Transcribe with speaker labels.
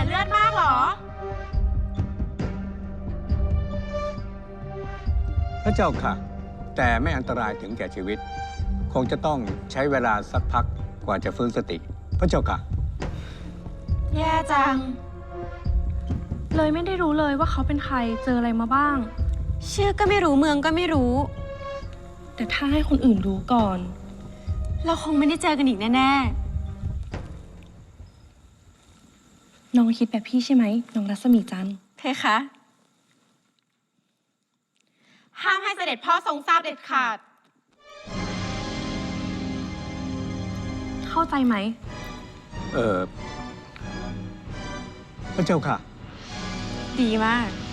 Speaker 1: เลือดมากเหรอ
Speaker 2: พระเจ้าค่ะ แต่ไม่อันตรายถึงแก่ชีวิต คงจะต้องใช้เวลาสักพักกว่าจะฟื้นสติ พระเจ้าค่ะ
Speaker 1: แย่จัง
Speaker 3: เลยไม่ได้รู้เลยว่าเขาเป็นใครเจออะไรมาบ้าง
Speaker 1: ชื่อก็ไม่รู้เมืองก็ไม่รู้
Speaker 3: แต่ถ้าให้คนอื่นรู้ก่อน
Speaker 1: เราคงไม่ได้เจอกันอีกแน่
Speaker 3: น้องคิดแบบพี่ใช่ไหมน้องรัศมีจันทร์
Speaker 1: ๆเพคะห้ามให้เสด็จพ่อทรงทราบเด็ดขาด
Speaker 3: เข้าใจไหม
Speaker 2: พระเจ้าค่ะ
Speaker 1: ดีมาก